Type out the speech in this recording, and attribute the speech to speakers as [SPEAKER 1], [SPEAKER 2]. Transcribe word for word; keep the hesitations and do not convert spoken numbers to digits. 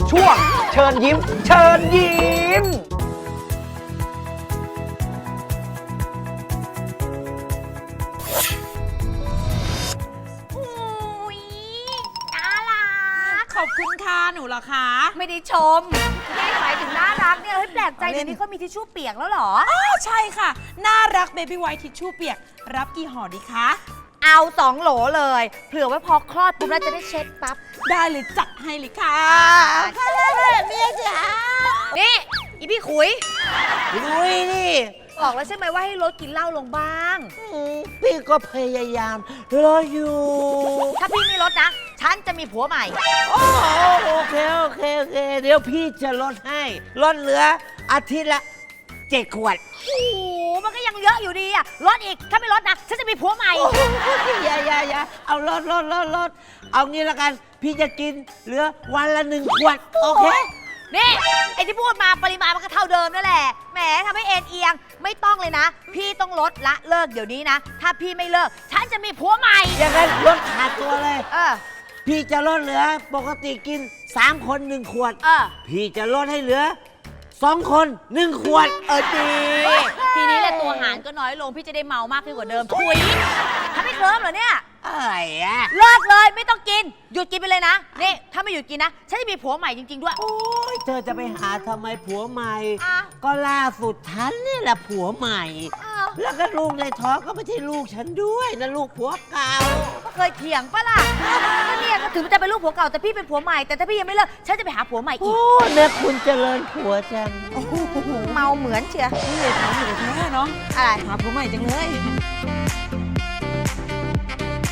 [SPEAKER 1] ช่วงเชิญยิ้ม เชิญยิ้ม
[SPEAKER 2] อุ้ยน่ารัก
[SPEAKER 3] ขอบคุณค่ะหนูเหรอคะ
[SPEAKER 2] ไม่ได้ชมไม่ได้หมายถึงน่ารักเนี่ยเฮ้ยแปลกใจเดี๋ยวนี้เขามีทิชชู่เปียกแล้วเหรอ
[SPEAKER 3] อ้าวใช่ค่ะ น่ารักเบบี้ไวท์ทิชชู่เปียก รับกี่ห่อดีคะ
[SPEAKER 2] เอาสองโหลเลยเผื่อไว้พอคลอดปุ๊บแล้วจะได้เช็ดปั๊บ
[SPEAKER 3] ได้เลยจัดให้เลยค่ะ
[SPEAKER 2] เมียจ๋านี่อีพี่ขุย
[SPEAKER 4] ลุยนี่
[SPEAKER 2] บอกแล้วใช่ไหมว่าให้ลดกินเหล้าลงบ้าง
[SPEAKER 4] อืมพี่ก็พยายามรออยู่
[SPEAKER 2] ถ้าพี่ไม่ลดนะ ฉันจะมีผัวใหม่
[SPEAKER 4] โอ้โอเคโอเคโอเค เดี๋ยวพี่จะลดให้ลดเหลืออาทิตย์ละเจ็ดขวด
[SPEAKER 2] โอ้โหมันก็ยังเยอะอยู่ดีอะลดอีก ถ้าไม่ลดนะ ฉันจะมีผัวใหม่
[SPEAKER 4] โอ้โหอย่าอย่าอย่าเอาลดลดลดลดเอางี้ละกัน พี่จะกินเหลือวันละหนึ่งขวด โอเค
[SPEAKER 2] นี่ ไอ้ที่พูดมาปริมาณมันก็เท่าเดิมนั่นแหละ แหมทำให้เอ็นเอียง ไม่ต้องเลยนะ พี่ต้องลดละเลิกเดี๋ยวนี้นะ ถ้าพี่ไม่เลิก ฉันจะมีผัวใหม่
[SPEAKER 4] อย่างนั้นลดขาดตัวเลย
[SPEAKER 2] เออ
[SPEAKER 4] พี่จะลดเหลือปกติกินสามคนหนึ่งขวด
[SPEAKER 2] เออ
[SPEAKER 4] พี่จะลดให้เหลือสองคนหนึ่งขวด เออดี
[SPEAKER 2] ทีนี้แหละตัวหารก็น้อยลง พี่จะได้เมามากขึ้นกว่าเดิมถุยทำให้เคลิ้มเหรอเนี่ย
[SPEAKER 4] อะไรอะ
[SPEAKER 2] เลิกเลยไม่ต้องกิน หยุดกินไปเลยนะ นี่ ถ้าไม่หยุดกินนะ ฉันจะมีผัวใหม่จริง ๆ ด้วย
[SPEAKER 4] โอ้ยเธอจะไปหาทำไมผัวใหม่
[SPEAKER 2] อ่ะ
[SPEAKER 4] ก็ล่าสุดฉันนี่แหละผัวใหม่
[SPEAKER 2] อ้าว
[SPEAKER 4] แล้วก็ลูกในท้องก็ไม่ใช่ลูกฉันด้วยนะลูกผัวเก่า
[SPEAKER 2] ก็เคยเถียงปะล่ะก็เนี่ยก็ถึงจะเป็นลูกผัวเก่าแต่พี่เป็นผัวใหม่ แต่ถ้าพี่ยังไม่เลิก ฉันจะไปหาผัวใหม่อี
[SPEAKER 4] โอ้
[SPEAKER 2] ก
[SPEAKER 4] เนี่ยคุณเจริญผัวจัง
[SPEAKER 2] เมาเหมือนเชียร์
[SPEAKER 3] นี่ถามอยู่แท้เนาะ
[SPEAKER 2] อะไร
[SPEAKER 3] หาผัวใหม่จังเลย